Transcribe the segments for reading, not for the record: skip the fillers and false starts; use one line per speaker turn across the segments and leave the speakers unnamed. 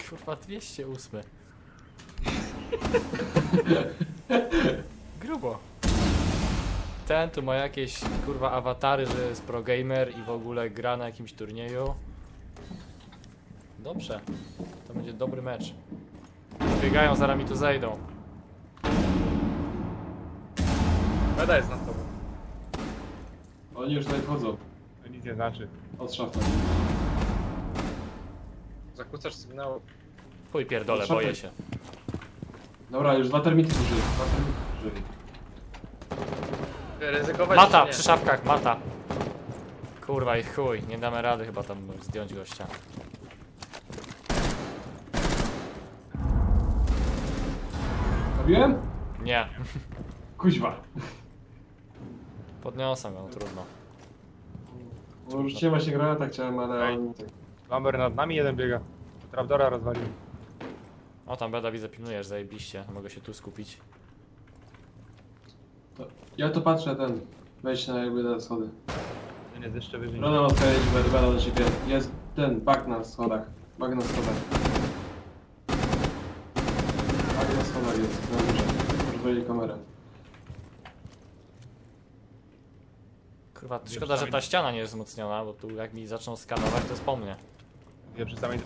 Kurwa, 208. Grubo. Ten tu ma jakieś kurwa awatary, że jest pro gamer i w ogóle gra na jakimś turnieju. Dobrze. To będzie dobry mecz. Biegają, zaraz mi tu zejdą.
Beda jest nad tobą.
Oni już tutaj wchodzą.
To nic nie znaczy.
Od szafy.
Zakłócasz sygnał.
Chuj pierdolę,
Szafy.
boję się.
Dobra, już 2 termity zużyli. 2 termity zużyli.
Ryzykować
Mata,
czy nie?
przy szafkach, mata. Kurwa i chuj, nie damy rady chyba tam zdjąć gościa.
Robiłem?
Nie,
Kuźwa.
podniosę go, trudno.
No rzuciłem właśnie granata, chciałem, ale
Ej.
on... tak-
Lamber nad nami jeden biega. Trapdora rozwalił.
O, tam Beda widzę, pilnujesz, zajebiście. Mogę się tu skupić.
Ja to patrzę, ten... Wejdź na jakby na schody.
Ten jest jeszcze wyżej.
Brodę odpalić, będę do ciebie. Jest ten, bug na schodach. Bug na schodach. Bug na schodach jest, na górze. Rozwalili kamerę.
Kurwa, szkoda, że ta ściana nie jest wzmocniona, bo tu jak mi zaczną skanować, to jest po mnie.
Wie przy samej...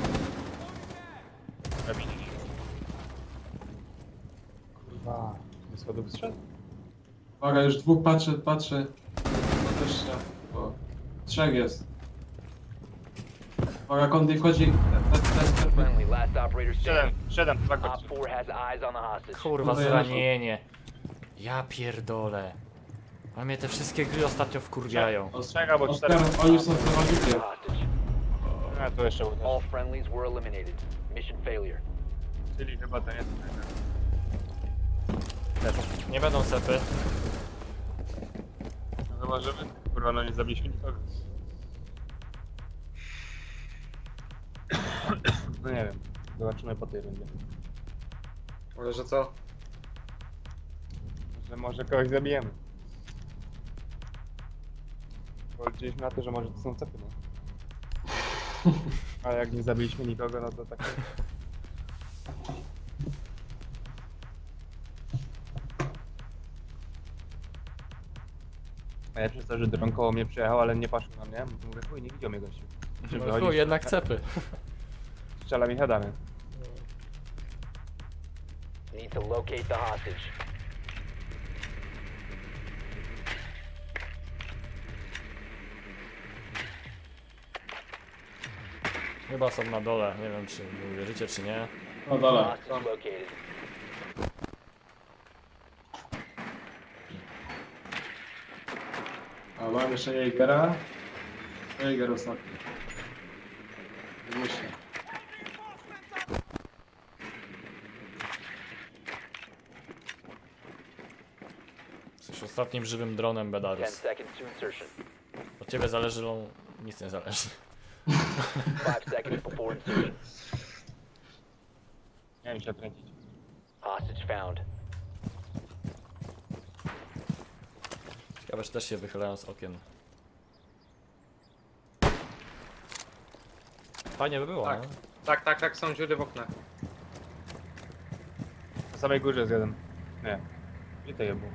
Kurwa. Do schodów strzedł?
Uwaga, już dwóch patrzy. No też się... O. Trzech jest. Uwaga, Kondy wchodzi. Ten.
Friendly, last operator standing.
Siedem, tak
Op
chodź.
4 has eyes on the hostage.
Kurwa,
No to ja
zranienie. Ja pierdolę. A mnie te wszystkie gry ostatnio wkurwiają.
Ostrzega, bo cztery.
Oskar, oni są zawodnikiem.
Hostage.
A, tu jeszcze był
All
też.
friendlies were eliminated. Mission failure.
Czyli chyba to jest.
Nie będą cepy.
No chyba, żeby... Kurwa, no nie zabiliśmy nikogo. No nie wiem. Zobaczymy po tej rundzie.
Ale że co?
Że może kogoś zabijemy. Bo liczyliśmy na to, że może to są cepy, no. A jak nie zabiliśmy nikogo, no to tak. Najlepsze jest to, że dron koło mnie przyjechał, ale nie patrzył na mnie. Mówię, chuj, nie widział mnie gościu.
No chuj, jednak cepy.
Strzela mi headami.
Need to locate the hostage.
Chyba są na dole, nie wiem czy uwierzycie czy nie.
No dalej.
Hostage located.
A mam jeszcze Jägera. Jäger ostatni. Myślę.
Jesteś ostatnim żywym dronem
10
Bedarus.
seconds to insertion.
Od ciebie zależy, nic nie zależy.
5 seconds before insertion.
Nie wiem się odkręcić.
Hostage found.
Ciekawe, czy też się wychylają z okien. Fajnie by było,
Tak.
no?
Tak, są dziury w oknach.
Na samej górze jest jeden. Nie. Gdzie to je było?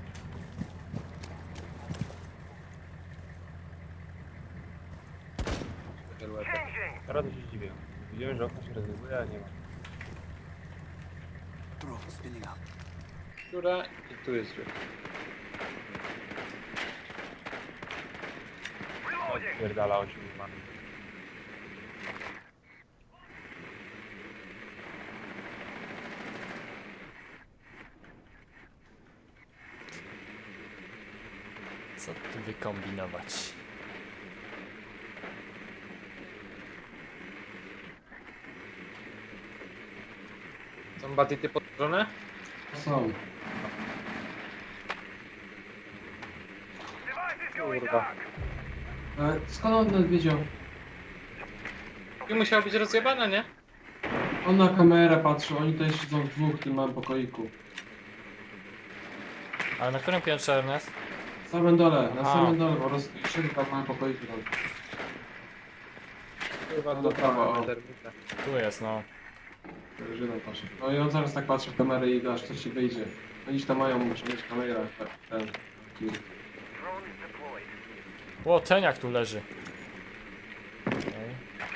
Teraz to się zdziwię. Widziałem, że okno się rozwiązuje, a nie ma.
Dziura i tu jest dziura.
Pierdala 8 mamy.
Co tu wykombinować?
Są batity podłożone?
Są.
Kurwa.
Skąd on nas wiedział?
I musiała być rozjebana, nie?
On na kamerę patrzy, oni tutaj siedzą w dwóch w tym małym pokoiku.
Ale na którym piętrze, Ernest?
Na samym dole, na
Aha.
samym dole, po prostu siedzą tam w małym pokoiku. Tam.
Kurwa,
No, prawo, o.
termita.
Tu jest, no.
Żydą patrzę. No i on zaraz tak patrzy w kamerę i aż coś ci wyjdzie. Oni tam mają, muszą mieć kamerę, ten.
O, teniak tu leży. Okej.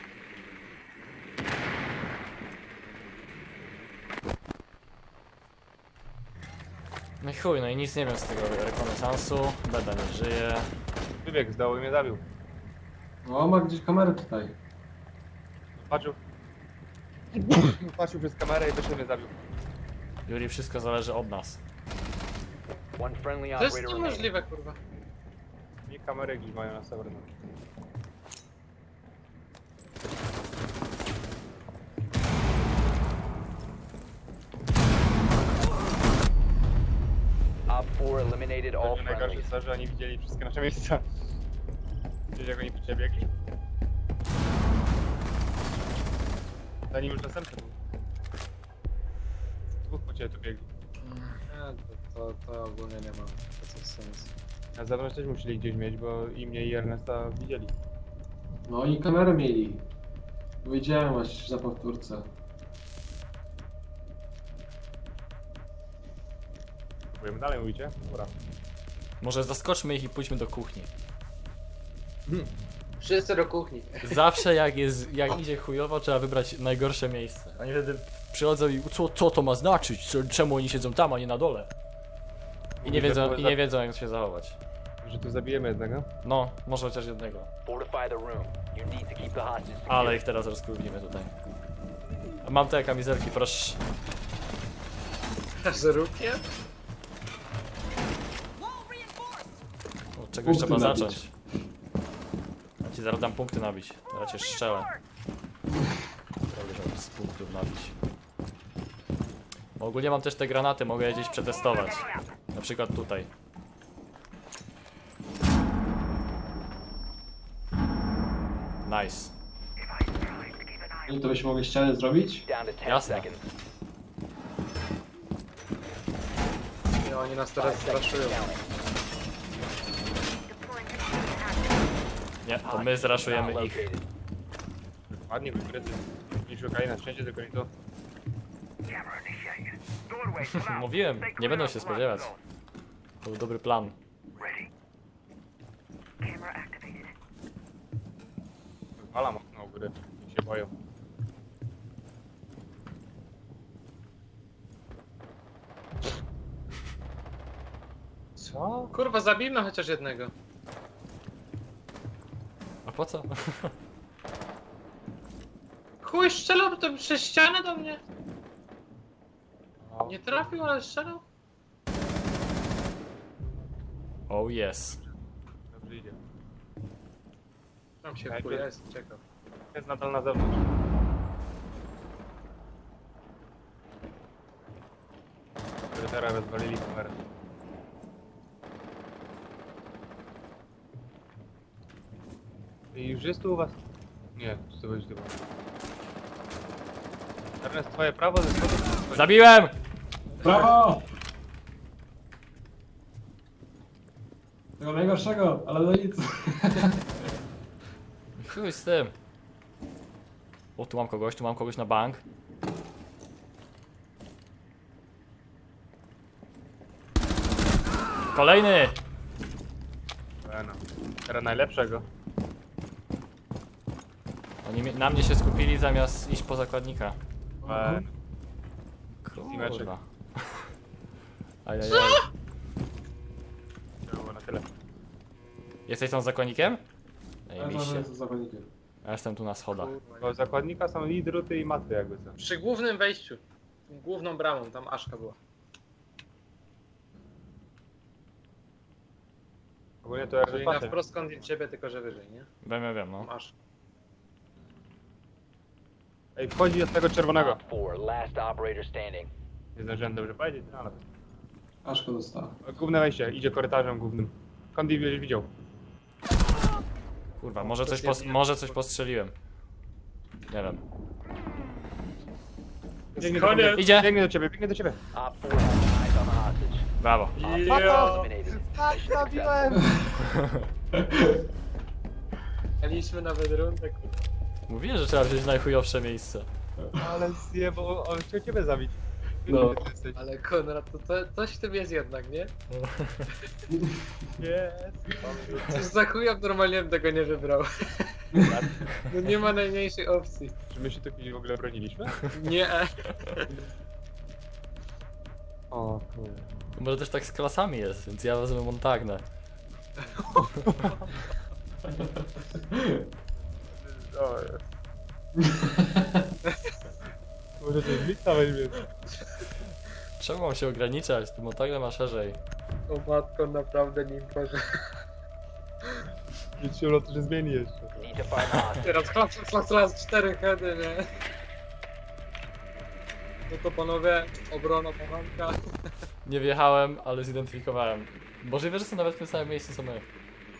No i chuj, no i nic nie wiem z tego rekonesansu. Beda nie żyje.
Wybiegł z dołu i mnie zabił.
No ma gdzieś kamerę tutaj.
Patrzył. Patrzył przez kamerę i też mnie zabił.
Juri, wszystko zależy od nas.
One friendly
To jest
operator remaining.
niemożliwe, kurwa.
I kamery gdzieś mają na serwerze.
Op 4 eliminated all
Najgorsze
friendlies.
jest to, że oni widzieli wszystkie nasze miejsca. Widzisz jak oni przebiegli? Zanim już następny był. Dwóch po ciebie tu biegli.
To ogólnie nie ma sensu.
Na zewnątrz też musieli gdzieś mieć, bo i mnie i Ernesta widzieli.
No i kamerę mieli. Powiedziałem aż za powtórce.
Próbujemy dalej, mówicie? Dobra.
Może zaskoczmy ich i pójdźmy do kuchni.
Wszyscy do kuchni.
Zawsze jak idzie chujowo, trzeba wybrać najgorsze miejsce. Oni wtedy przychodzą i co to ma znaczyć? Czemu oni siedzą tam, a nie na dole? I nie wiedzą jak się zachować.
Że tu zabijemy jednego.
No, może chociaż jednego.
Fortify the room. You need to keep the hostage secure.
Ale ich teraz rozkurwimy tutaj. A mam te kamizelki, proszę.
Z rukiem?
Od czegoś
Punkty
trzeba
nabić.
zacząć. Ja ci zaraz dam punkty nabić. Zaraz cię strzelę. Prawie żeby z punktów nabić. Bo ogólnie mam też te granaty, mogę je gdzieś przetestować. Na przykład tutaj. Nice.
I to byśmy mogli ścianę zrobić?
Down to 10
Jasne.
seconds.
I oni nas teraz straszują.
Nie, to my zraszujemy ich.
Located.
Ładnie wykryty. Nie szukali na szczęście, tylko nie to.
Mówiłem, nie będą się spodziewać. To był dobry plan.
Wala mocno u góry. Nie się boją. Co?
Kurwa, zabijmy chociaż jednego.
A po co?
Chuj, strzelał to przez ścianę do mnie.
No.
Nie trafił, ale strzelał.
Oh yes.
Dobrze idzie.
Tam się
Tak,
chuj,
to-
jest, ciekaw.
Jest nadal na zewnątrz. Teraz rozwalili kamerę. I już jest tu u was? Nie, to będzie chyba. Ernest, twoje prawo ze spodu?
Zabiłem!
Brawo! Tego najgorszego, ale no nic.
Chuj z tym. O, tu mam kogoś na bank. Kolejny!
No. Teraz najlepszego.
Oni na mnie się skupili zamiast iść po zakładnika.
Teameczek.
Kurwa. Ajajaj.
To było na tyle.
Jesteś tam zakładnikiem?
Ja
Ej, miście.
to zawodnikiem.
Ja jestem tu na schodach.
Bo zakładnika są i druty i maty jakby co.
Przy głównym wejściu. Główną bramą, tam Aszka była.
Ogólnie to
Czyli na
Ernest
wprost kąt ciebie, tylko że wyżej, nie?
Wiem, no.
Tam Aszka.
Ej, wchodzi od tego czerwonego.
Op 4, last operator standing.
Nie zdążyłem dobrze powiedzieć, no ale...
Aszko dostała.
Główne wejście, idzie korytarzem głównym. Kondi będziesz widział.
Kurwa, może coś postrzeliłem. Nie wiem.
Biegnie do ciebie,
Idzie!
biegnie do ciebie.
Op 4 has eyes on the hostage.
Brawo.
Op 4
Ja.
eliminated.
Tak,
Mission
zabiłem!
Mieliśmy nawet rundę, kurwa.
Mówiłem, że trzeba wziąć najchujowsze miejsce.
Ale zjebał, on chciał ciebie zabić.
No.
Ty jesteś.
Ale Konrad, coś w tym jest jednak, nie?
Jest.
Coś za chuja normalnie bym tego nie wybrał. No nie ma najmniejszej opcji.
Czy my się tu kiedyś w ogóle broniliśmy?
Nie.
O kurde.
Może też tak z klasami jest, więc ja wezmę Montagnę.
O, jest. Może to jest lista weźmie.
Czemu mam się ograniczać? Ty Montagna ma szerzej.
O matko, naprawdę nim proszę.
Nic się to się zmieni jeszcze.
Need to find the hostage.
Teraz 4 heady, nie? No to panowie, obrona poranka.
Nie wjechałem, ale zidentyfikowałem. Możliwe, że są nawet w tym samym miejscu co my.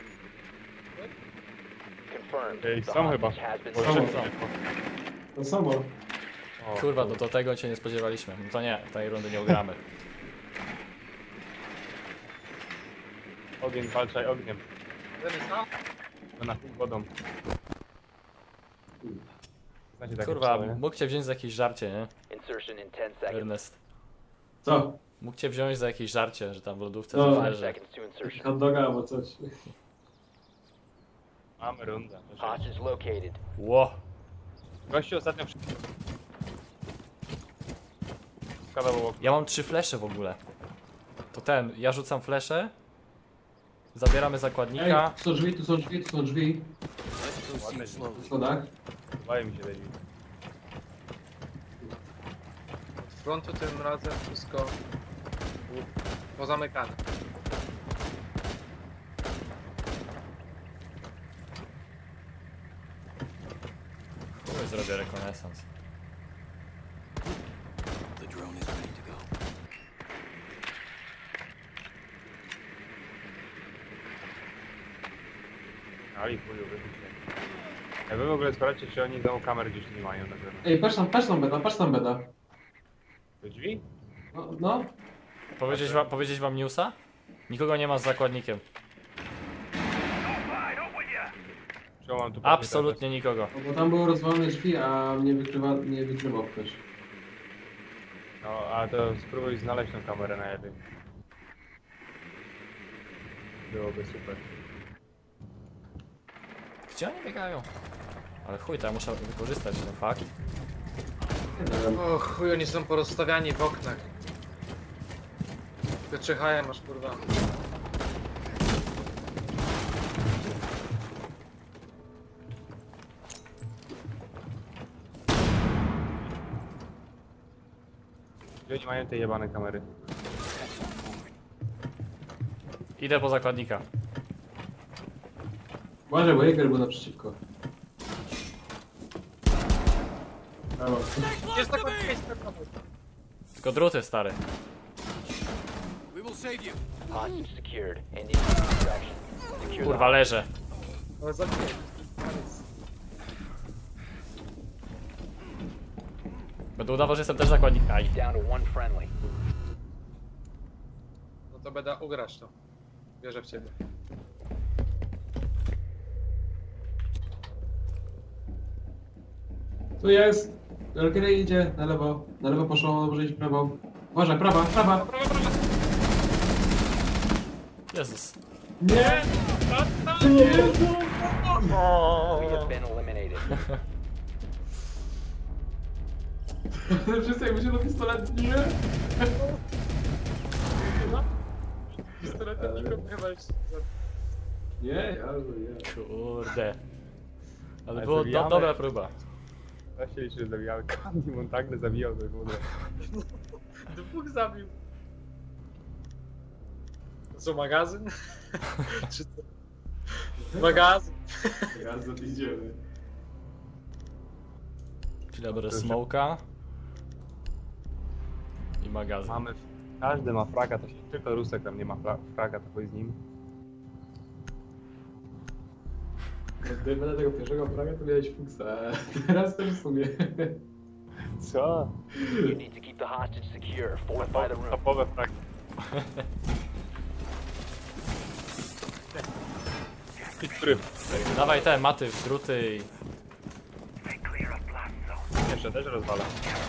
Confirmed.
Ej,
The
są chyba.
hostage has been
Bo
Są.
secured.
To samo.
O,
Kurwa, no do tego się nie spodziewaliśmy. No to nie, tej rundy nie ugramy.
Ogień, walczaj ogniem.
Jeden sam?
To na wodą. Znacie takie
Kurwa,
psały, nie?
mógł cię wziąć za jakieś żarcie, nie?
Insertion in 10 seconds.
Ernest.
Co?
Mógł cię wziąć za jakieś żarcie, że tam w lodówce
No.
coś
5
leży.
seconds to insertion.
Hot doga albo coś.
Mamy rundę.
Hostage located.
Ło!
Gościu ostatnio skadał obok.
Ja mam 3 flesze w ogóle. To ten, ja rzucam flesze. Zabieramy
Ej,
zakładnika.
tu są drzwi, tu są drzwi, tu są drzwi.
Ładne
W schodach.
Podobają mi się te drzwi.
Od frontu tym razem wszystko pozamykane.
Chuj, zrobię rekonesans.
Ali chuju, wybicie. Ja wy w ogóle sprawdźcie, czy oni znowu kamer gdzieś nie mają na zewnątrz.
Ej, patrz tam beda, patrz tam beda.
Do drzwi?
No.
Powiedzieć wam newsa? Nikogo nie ma z zakładnikiem.
Czy mam tu
Absolutnie nikogo.
No, bo tam były rozwalone drzwi, a mnie nie wykrywał ktoś.
No, a to spróbuj znaleźć tą kamerę na jednym. Byłoby super.
Gdzie oni biegają? Ale chuj, to ja muszę wykorzystać ten fakt.
Nie wiem.
O chuj, oni są porozstawiani w oknach. Wyczyhają masz kurwa.
Gdzie oni mają te jebane kamery?
Idę po zakładnika.
Uważaj, bo Jäger był naprzeciwko. Brawo.
Jest taka miejsce.
Tylko druty, stary.
Hostage secured. Ending extraction. Secure the
Kurwa, leżę.
Ale zabiję.
Będę udawał, że jestem też zakładnik. Aj.
down to one friendly.
No to będę ugrać to. Wierzę w ciebie.
Tu jest. Valkyrie idzie na lewo. Na lewo poszło, może iść w prawo. Uważaj, prawa, prawa.
Jezus.
Nie!
We have been eliminated.
Wszyscy jakby się do pistolet. Nie!
Pistoletem nikogo chyba jeszcze
Nie, ja nie.
Kurde. Ale
Ale
było
zabijamy.
dobra próba.
Ja się liczy, że zabijały. Kamil Montagnę zabijał to w ogóle.
dwóch zabił. To co, magazyn? Czy co? Magazyn.
Ja za idziemy.
Czyli ja biorę smoka. I magazyn.
Mamy... Każdy ma fraga, to się tylko Rusek tam nie ma fraga, to chodź z nim.
Gdyby na tego pierwszego praga to miałeś fuksa. Teraz też w sumie.
Co?
You need to keep the hostage secure. Fortify the room.
Topowe fragi. Idź pryw.
Dawaj te maty, druty i...
Jeszcze też rozwala.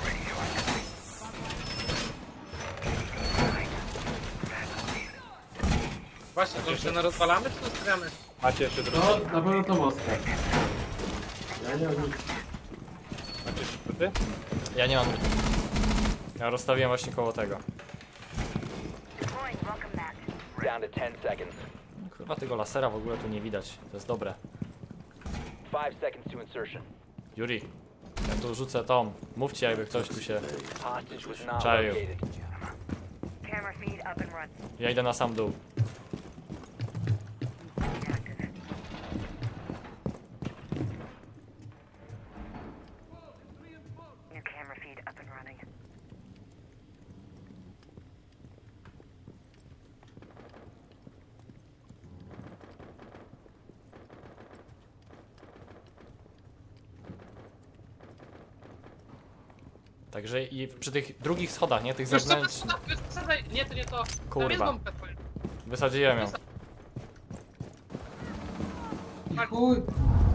Właśnie, to się na rozwalamy czy zostawiamy?
Macie jeszcze drugi?
No, na pewno to mostka. Ja nie mam nic.
Macie jeszcze druty?
Ja nie mam. Ja rozstawiłem właśnie koło tego.
Down to 10 seconds.
Chyba tego lasera w ogóle tu nie widać. To jest dobre.
5 seconds to insertion.
Yuri, ja tu rzucę tą. Mówcie jakby ktoś tu się...
Hostage was not
Czaił.
located.
Camera feed up and run.
Ja idę na sam dół.
New camera feed up and running.
Także i przy tych drugich schodach, nie? Tych
Wiesz co,
zewnętrznych.
wysadzaj, nie, to nie to. Tam jest
Kurwa.
bombka twoja.
Wysadziłem ją.
I chuj!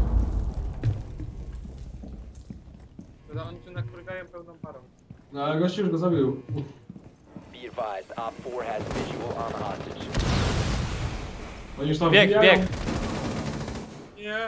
Kurde, oni tu nakurgają pełną parą.
No ale gościu już go zabił.
Be advised, Op 4 has visual on the hostage.
Oni już tam
Bieg,
wbijają.
bieg!
Nie.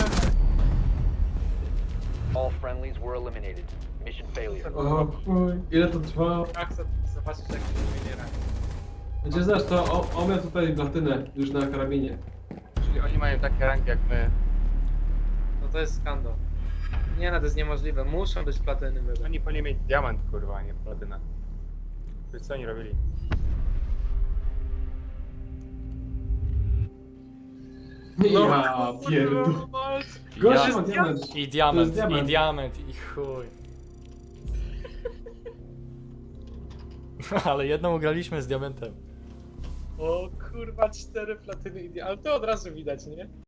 All friendlies were eliminated. Mission failure.
O chuj, ile to trwa?
Jak zobaczysz jak się wymieniera.
Będzie znasz to, on miał tutaj platynę już na karabinie.
Czyli oni mają takie ranki jak my.
No to jest skandal. Nie no, to jest niemożliwe. Muszą być platyny były.
Oni powinni mieć diament, kurwa, a nie platynę. Wiesz co oni robili?
Ja pierdol. Gościu ma diament.
I
To
diament,
jest diament.
i diament, i chuj. Ale jedną ugraliśmy z diamentem.
O kurwa, 4 platyny, ale to od razu widać, nie?